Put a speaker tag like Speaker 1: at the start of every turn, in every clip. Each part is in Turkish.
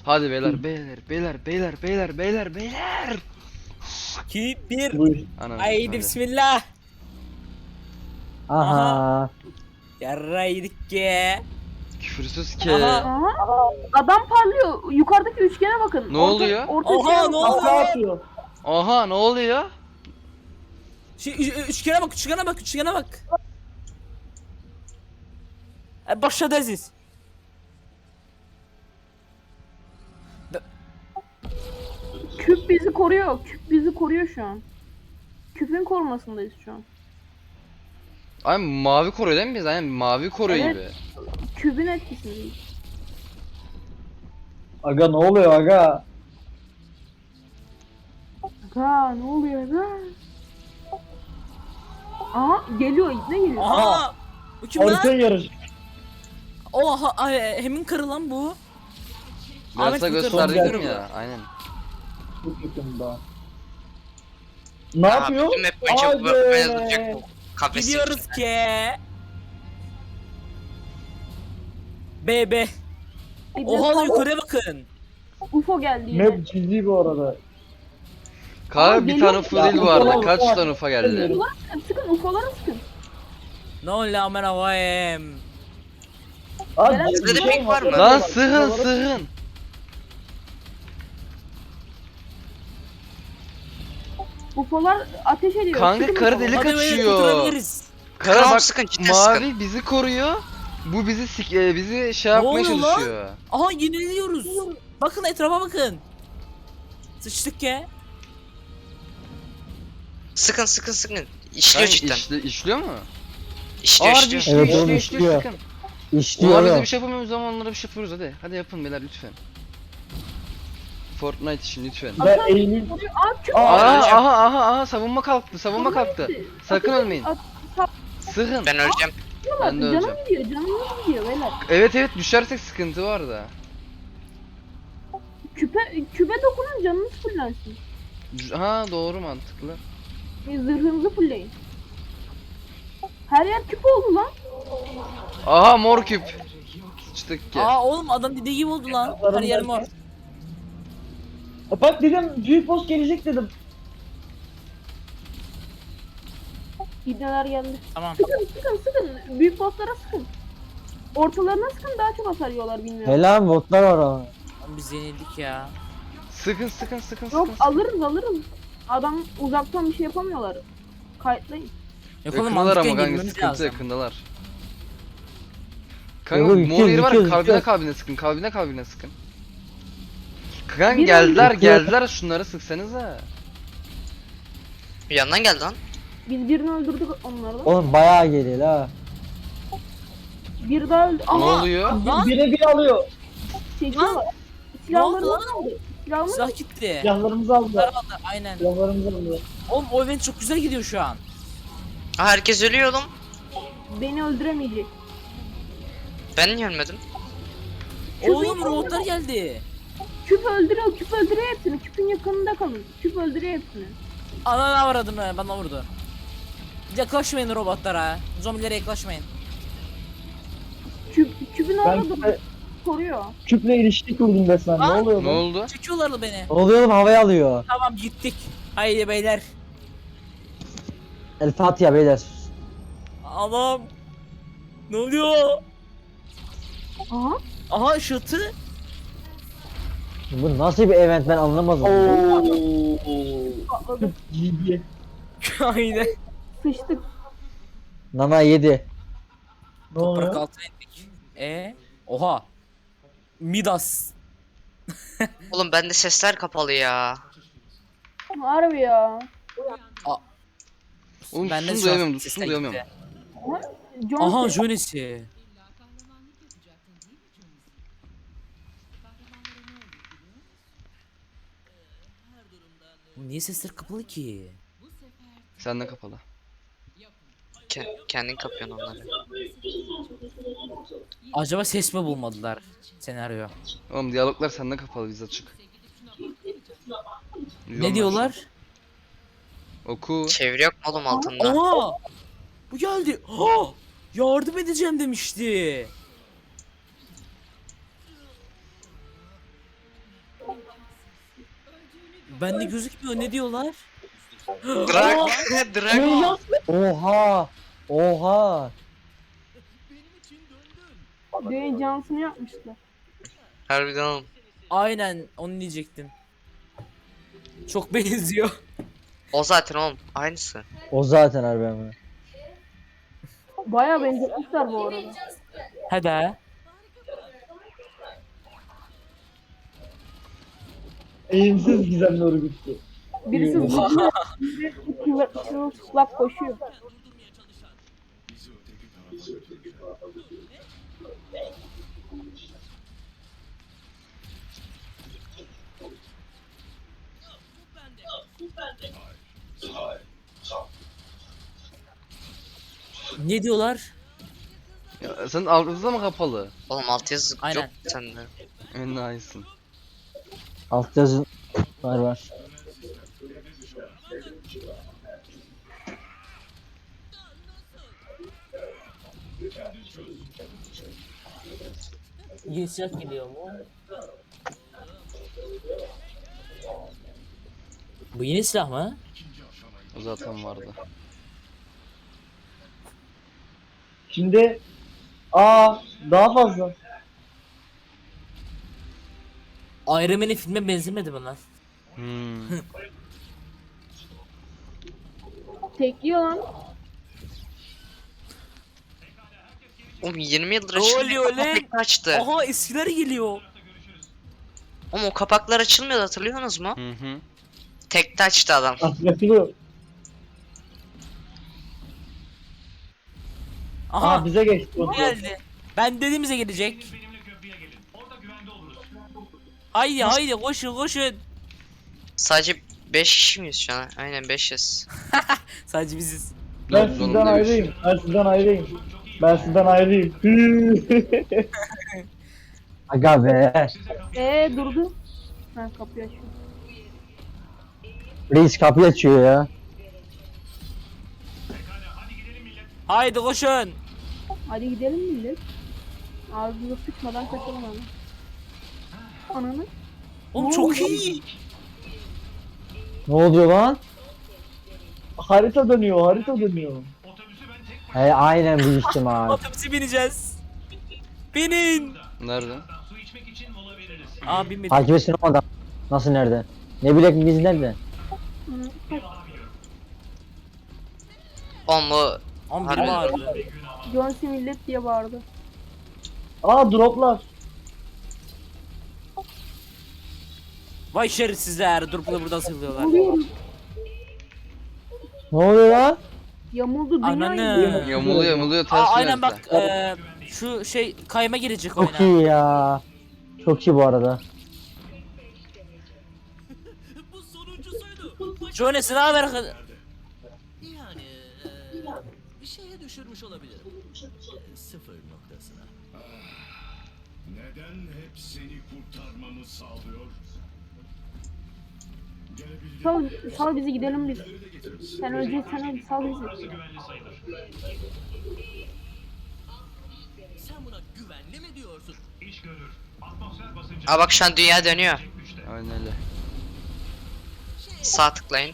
Speaker 1: Hadi beyler beyler beyler beyler beyler beyler beyler.
Speaker 2: 2 1.
Speaker 3: Buyur.
Speaker 1: Anam.
Speaker 2: Haydi
Speaker 1: hadi.
Speaker 2: bismillah.
Speaker 3: Aha.
Speaker 2: Yarra yedik ki.
Speaker 1: Küfürsüz ki.
Speaker 2: Aha.
Speaker 4: Aha. Adam parlıyor. Yukarıdaki üçgene bakın.
Speaker 1: Ne oluyor?
Speaker 4: Orta
Speaker 2: Oha,
Speaker 4: üçgene
Speaker 2: ne
Speaker 4: bakın.
Speaker 2: oluyor?
Speaker 3: Kafa atıyor.
Speaker 1: Aha ne oluyor?
Speaker 2: Üçgene bak, üçgene bak, üçgene bak. Başladı Aziz.
Speaker 4: Küp bizi koruyor. Küp bizi koruyor şu an. Küpün korumasındayız şu an.
Speaker 1: Ay mavi koruyor değil mi biz? Aynen mavi koruyor
Speaker 4: Evet.
Speaker 1: gibi.
Speaker 4: Küpün etkisindeyiz.
Speaker 3: Aga ne oluyor aga?
Speaker 4: Aga ne oluyor aga? Aha geliyor, ne geliyor?
Speaker 2: Aha. Bu kim lan?
Speaker 3: Harika yarış.
Speaker 2: Oha, hemin karı lan bu.
Speaker 1: Biraz
Speaker 2: Ahmet
Speaker 1: da
Speaker 2: Kurtar'ı
Speaker 1: gösterdim
Speaker 3: hatırlıyorum.
Speaker 1: ya. Aynen.
Speaker 3: Çok yakında. Ne yapıyor?
Speaker 5: Bütün map boyunca bu böyle duracak
Speaker 3: Hadi.
Speaker 5: bu kafesin
Speaker 2: Gidiyoruz
Speaker 5: içinde.
Speaker 2: ki. BB.
Speaker 4: Bir de
Speaker 2: Oha lan
Speaker 4: tam
Speaker 2: yukarıya bakın.
Speaker 4: UFO geldi yine.
Speaker 3: Map ciddi bu arada.
Speaker 1: Kanka bir
Speaker 4: geliyor
Speaker 1: tane
Speaker 4: mu?
Speaker 1: full
Speaker 3: Ya,
Speaker 1: değil bu arada.
Speaker 3: ufa,
Speaker 1: Kaç
Speaker 3: ufa.
Speaker 1: tane ufa geldi?
Speaker 4: Ufalara sıkın, sıkın UFO'lara sıkın.
Speaker 2: Ne oluyor amına koyayım?
Speaker 3: Abi,
Speaker 5: Sizde de pink var mı?
Speaker 1: Lan sığın sığın.
Speaker 4: UFO'lar ateş ediyor.
Speaker 1: Kanka
Speaker 4: sıkın
Speaker 1: karı
Speaker 4: UFO'lara.
Speaker 1: delik
Speaker 2: Hadi böyle
Speaker 1: açıyor.
Speaker 2: kurtarabiliriz.
Speaker 1: Kara
Speaker 5: Tamam,
Speaker 1: bak
Speaker 5: sıkın, cidden
Speaker 1: mavi
Speaker 5: sıkın.
Speaker 1: bizi koruyor. Bu bizi bizi şey yapmaya
Speaker 2: oluyor lan?
Speaker 1: çalışıyor.
Speaker 2: Aha yeniliyoruz. Bakın etrafa bakın. Sıçtık ya.
Speaker 5: Sıkın sıkın sıkın. İşliyor
Speaker 1: Kanka
Speaker 5: cidden.
Speaker 1: işliyor mu?
Speaker 5: İşliyor
Speaker 1: Ağır bir
Speaker 5: işliyor.
Speaker 1: işliyor
Speaker 3: Evet,
Speaker 1: işliyor
Speaker 3: oğlum,
Speaker 1: işliyor
Speaker 3: işliyor.
Speaker 1: sıkın.
Speaker 3: İşliyor.
Speaker 1: Onlar bize
Speaker 3: ya.
Speaker 1: bir şey yapamıyoruz ama onlara bir şey yapıyoruz hadi. Hadi yapın beyler lütfen. Fortnite için lütfen.
Speaker 3: Ben Eylül.
Speaker 4: Aa küp.
Speaker 3: Aa,
Speaker 1: Aha savunma kalktı savunma kalktı.
Speaker 4: gitti.
Speaker 1: Sakın
Speaker 4: Ateş-
Speaker 1: ölmeyin.
Speaker 4: at- at-
Speaker 1: Sıkın.
Speaker 5: Ben öleceğim.
Speaker 1: Ben de
Speaker 4: Canım
Speaker 1: öleceğim.
Speaker 4: gidiyor, canım gidiyor beyler.
Speaker 1: Evet düşersek sıkıntı var da.
Speaker 4: Küpe dokunun, canınız fullensin.
Speaker 1: Ha doğru mantıklı.
Speaker 4: Zırhınızı fullleyin. Her yer küp oldu lan.
Speaker 1: Aha mor küp. Sıçtık ki.
Speaker 2: Aa oğlum adam dediği gibi oldu lan. Her yer mor.
Speaker 3: Bak dedim büyük boss gelecek dedim.
Speaker 4: İbneler geldi.
Speaker 2: Tamam.
Speaker 4: Sıkın. Büyük bosslara sıkın. Ortalarına sıkın, daha çok hasar yiyorlar bilmiyorum.
Speaker 3: Helal botlar var ama.
Speaker 2: Lan biz yenildik ya.
Speaker 1: Sıkın.
Speaker 4: Yok alırız. Adam uzaktan bir şey yapamıyorlar. Kayıtlayın.
Speaker 2: Yok oğlum
Speaker 1: Yakındalar ama
Speaker 2: mantıken
Speaker 1: kanka
Speaker 2: girmemiz
Speaker 1: sıkıntı
Speaker 2: lazım.
Speaker 1: yakındalar. Kanka
Speaker 3: Yok,
Speaker 1: mor
Speaker 3: yıkıyoruz,
Speaker 1: yeri var
Speaker 3: yıkıyoruz,
Speaker 1: kalbine sıkın kalbine sıkın. Kanka
Speaker 4: Bir
Speaker 1: geldiler şunları sıksanıza.
Speaker 5: Bir yandan geldi lan.
Speaker 4: Biz birini öldürdük onlardan.
Speaker 3: Oğlum bayağı geliyor ha.
Speaker 4: Bir daha öldü.
Speaker 1: Ne
Speaker 4: Ama
Speaker 1: oluyor?
Speaker 2: Lan
Speaker 3: Bire bir alıyor.
Speaker 4: çekiyorlar.
Speaker 2: Ne oldu
Speaker 4: Silahlarını
Speaker 2: lan?
Speaker 4: aldı. Silahlarını
Speaker 2: silah gitti.
Speaker 3: Silahlarımızı aldılar.
Speaker 2: Aynen.
Speaker 3: Silahlarımızı aldılar.
Speaker 2: Oğlum o event çok güzel gidiyor şu an.
Speaker 5: Aa, herkes ölüyor oğlum.
Speaker 4: beni öldüremeyecek.
Speaker 5: Ben niye ölmedim?
Speaker 2: Oğlum robotlar geldi.
Speaker 4: Küp öldürüyor hepsini. Küpün yakınında kalın. Küp öldürüyor hepsini.
Speaker 2: Ananı avradım ben, bana vurdu. Yaklaşmayın robotlara. Zombilere yaklaşmayın.
Speaker 4: Küpün
Speaker 3: Ben
Speaker 4: orada
Speaker 3: küpe,
Speaker 4: koruyor.
Speaker 3: küple ilişki kurdum resmen. Ne
Speaker 2: Aa,
Speaker 3: oluyor
Speaker 1: Ne
Speaker 3: lan?
Speaker 1: oldu?
Speaker 2: Çekiyorlardı beni.
Speaker 3: Ne oluyor oğlum, havaya alıyor.
Speaker 2: Tamam gittik. Haydi beyler.
Speaker 3: El Fatiha beyler.
Speaker 2: Adam. Ne oluyor?
Speaker 4: Aha.
Speaker 2: Aha ışıltı.
Speaker 3: Bu nasıl bir event ben anlamadım.
Speaker 4: Patladı.
Speaker 3: GG.
Speaker 2: Aynen.
Speaker 4: Sıçtık.
Speaker 3: Nana yedi. Ne
Speaker 2: Toprak
Speaker 3: oluyor?
Speaker 2: altına indik. Oha. Midas.
Speaker 5: Oğlum bende sesler kapalı ya.
Speaker 4: Harbi ya.
Speaker 1: Oğlum
Speaker 2: Ben de
Speaker 1: susun
Speaker 2: şu an
Speaker 1: duyamıyorum
Speaker 2: sesler
Speaker 1: susun duyamıyorum.
Speaker 2: gitti.
Speaker 4: John
Speaker 2: Aha
Speaker 4: Cena.
Speaker 2: jönesi. Niye sesler kapalı ki?
Speaker 1: Senden kapalı.
Speaker 5: Kendin kapıyorsun onları.
Speaker 2: Acaba ses mi bulmadılar senaryo?
Speaker 1: Oğlum diyaloglar senden kapalı biz açık.
Speaker 2: Ne diyorlar?
Speaker 1: Oku.
Speaker 5: Çeviri yok mu oğlum altında?
Speaker 2: Aa! Bu geldi. Ha! Yardım edeceğim demişti. Bende gözükmüyor, ne diyorlar?
Speaker 5: Drag. Drag.
Speaker 3: Oha. Oha.
Speaker 4: Dwayne Johnson'ı yapmışlar.
Speaker 5: Harbiden oğlum.
Speaker 2: Aynen onu diyecektim. Çok benziyor.
Speaker 5: O zaten oğlum. Aynısı.
Speaker 3: O zaten harbi ama.
Speaker 4: Bayağı benzetmişler bu arada.
Speaker 2: Hadi.
Speaker 3: Eğimsiz gizemli örgütü.
Speaker 4: Birisi zıplıyor, biri çırılçıplak koşuyor.
Speaker 2: Ne diyorlar?
Speaker 1: Ya, senin altyazı mı kapalı?
Speaker 5: Oğlum altyazı
Speaker 2: Aynen.
Speaker 5: yok sende.
Speaker 1: Enayisin.
Speaker 3: Alt yazı var.
Speaker 2: Yeni silah geliyor mu? Bu yeni silah mı?
Speaker 1: O zaten vardı.
Speaker 3: Şimdi daha fazla.
Speaker 2: Iron Man'in filme benzemedi bunlar.
Speaker 1: Hmm.
Speaker 4: Tekliyor lan.
Speaker 5: Oğlum 20 yıldır
Speaker 2: Ne
Speaker 5: açılmıyor.
Speaker 2: oluyor lan?
Speaker 5: Kapak açtı.
Speaker 2: Aha eskiler geliyor.
Speaker 5: Oğlum o kapaklar açılmıyordu, hatırlıyorsunuz mu?
Speaker 1: Hı hı.
Speaker 5: Tekte açtı adam.
Speaker 3: Yapılıyor.
Speaker 2: Aha
Speaker 3: Bize geçti.
Speaker 2: bu geldi. Ben dediğimize gelecek. Haydi haydi koşun koşun.
Speaker 5: Sadece 5 kişi miyiz şu an? Aynen 5'iz.
Speaker 2: Sadece biziz.
Speaker 3: Ben
Speaker 1: Dört
Speaker 3: sizden
Speaker 1: zorundaymış.
Speaker 3: ayrıyım. Ben sizden ayrıyım. Ben sizden ayrıyım. Aga be.
Speaker 4: Durdu. Ha, kapıyı açıyor.
Speaker 3: Reis kapıyı açıyor ya.
Speaker 2: Haydi koşun.
Speaker 4: Hadi gidelim millet. Ağzımıza sıçmadan kaçalım abi. Ananı.
Speaker 2: Oğlum çok iyi.
Speaker 3: Ne oluyor lan? Harita dönüyor. He aynen bu ihtimal.
Speaker 2: Otobüse bineceğiz. Binin.
Speaker 1: Nerede?
Speaker 2: Aa binmedim.
Speaker 3: Takip etsin o adam. Nasıl nerede? Ne bilek biz nerede?
Speaker 5: Oğlum bu
Speaker 2: Oğlum biri bağırdı.
Speaker 4: John C. millet diye bağırdı.
Speaker 3: Droplar.
Speaker 2: Vay şerefsizler. Durup da burada asılıyorlar.
Speaker 4: Vuruyorum.
Speaker 3: Ne oluyor lan?
Speaker 4: Yamuldu dünya.
Speaker 2: Ananı.
Speaker 1: Yamuluyor ters
Speaker 2: Aa aynen
Speaker 1: yöneltti.
Speaker 2: bak şu şey kayma girecek
Speaker 3: Çok
Speaker 2: oyuna.
Speaker 3: iyi ya. Çok iyi bu arada.
Speaker 2: Jones'u ne haber?
Speaker 6: Yani bir şeye düşürmüş olabilirim. Sıfır noktasına.
Speaker 7: Neden hep seni kurtarmamı sağlıyor?
Speaker 4: Sal bizi gidelim biz. Sen önce sal bizi.
Speaker 6: Sen buna güvenli mi diyorsun?
Speaker 5: Aa bak şu an dünya dönüyor.
Speaker 1: Aynen öyle.
Speaker 5: Sağ tıklayın.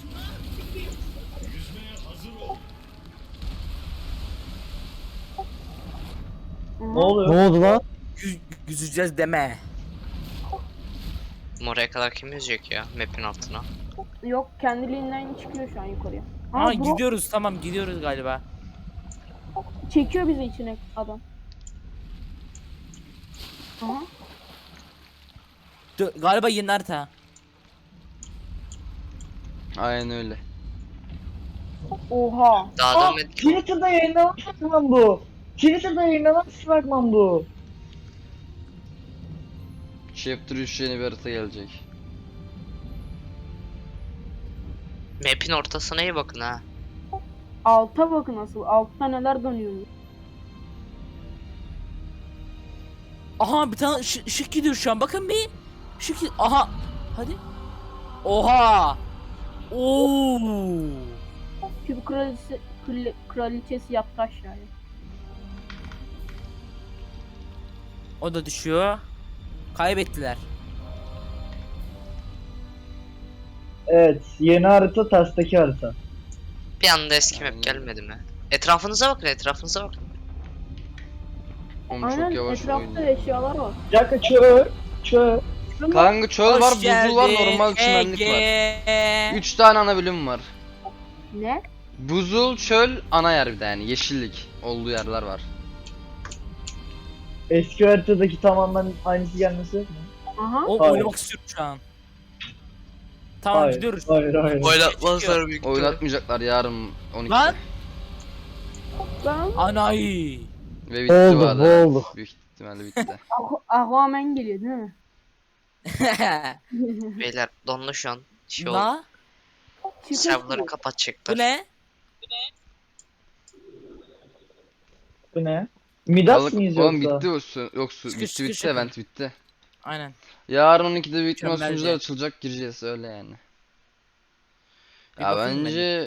Speaker 3: Ne oldu lan?
Speaker 2: Yüzeceğiz deme.
Speaker 5: Oraya kadar kim yüzecek ya map'in altına?
Speaker 4: Yok kendiliğinden çıkıyor şu an yukarıya.
Speaker 2: Ha
Speaker 4: Bro,
Speaker 2: gidiyoruz tamam gidiyoruz galiba.
Speaker 4: çekiyor bizi içine adam. Aha.
Speaker 2: Galiba yeni harita.
Speaker 1: Aynen öyle.
Speaker 4: Oha.
Speaker 5: Daha dönmedi.
Speaker 3: Twitter'da yayınlanan fragman bu. Twitter'da yayınlanan fragman bu.
Speaker 1: Chapter 3 yeni bir harita gelecek.
Speaker 5: Map'in ortasına iyi bakın ha.
Speaker 4: Alta bakın asıl. Altta neler dönüyor.
Speaker 2: Aha bir tane ışık gidiyor şu an bakın bir. Işık aha. Hadi. Oha. Oo.
Speaker 4: Küp kraliçesi yattı aşağıya.
Speaker 2: O da düşüyor. Kaybettiler.
Speaker 3: Evet, yeni harita tersteki harita.
Speaker 5: Bir anda eski map
Speaker 1: Aynen.
Speaker 5: gelmedi mi? Etrafınıza bakın, etrafınıza bakın.
Speaker 1: Oğlum
Speaker 4: Aynen
Speaker 1: çok yavaş
Speaker 4: etrafta
Speaker 1: oynuyor.
Speaker 4: eşyalar var.
Speaker 3: Bir dakika çöl. Çöl.
Speaker 1: Kanka çöl var,
Speaker 2: Hoş
Speaker 1: buzul var,
Speaker 2: geldin
Speaker 1: normal çimenlik var.
Speaker 2: Ege.
Speaker 1: 3 tane ana bölüm var.
Speaker 4: Ne?
Speaker 1: Buzul, çöl, ana yer bir de yani yeşillik olduğu yerler var.
Speaker 3: Eski haritadaki tamamen aynısı gelmesi yok mu?
Speaker 4: Aha.
Speaker 2: O
Speaker 3: Hayır.
Speaker 2: oynamak istiyorum şu an. Tamam
Speaker 3: Hayır,
Speaker 2: gidiyoruz.
Speaker 3: hayır.
Speaker 5: Oynatmazlar büyük ihtimalle.
Speaker 1: Oynatmayacaklar yarın 12'de.
Speaker 2: Lan
Speaker 4: Ben
Speaker 2: anayı.
Speaker 1: Ve bitti
Speaker 3: Oldu,
Speaker 1: bu arada.
Speaker 3: bu
Speaker 1: evet.
Speaker 3: oldu.
Speaker 1: Büyük ihtimalle bitti.
Speaker 4: Aquaman geliyor değil mi?
Speaker 5: Beyler donlu şu an. Şey oldu.
Speaker 2: La
Speaker 5: Serverları
Speaker 2: bu
Speaker 5: kapatacaklar.
Speaker 2: ne?
Speaker 3: Bu ne? Midas
Speaker 1: Balık,
Speaker 3: mıyız
Speaker 1: oğlum
Speaker 3: yoksa?
Speaker 1: bitti o su. Yok su
Speaker 2: Sıkış,
Speaker 1: bitti
Speaker 2: sıkış
Speaker 1: bitti
Speaker 2: yapın.
Speaker 1: event bitti.
Speaker 2: Aynen.
Speaker 1: Yarın 12'de büyük ihtimal
Speaker 2: Mükemmelce.
Speaker 1: sunucular açılacak, gireceğiz öyle yani.
Speaker 2: Bir
Speaker 1: Ya
Speaker 2: bakayım ben.
Speaker 1: bence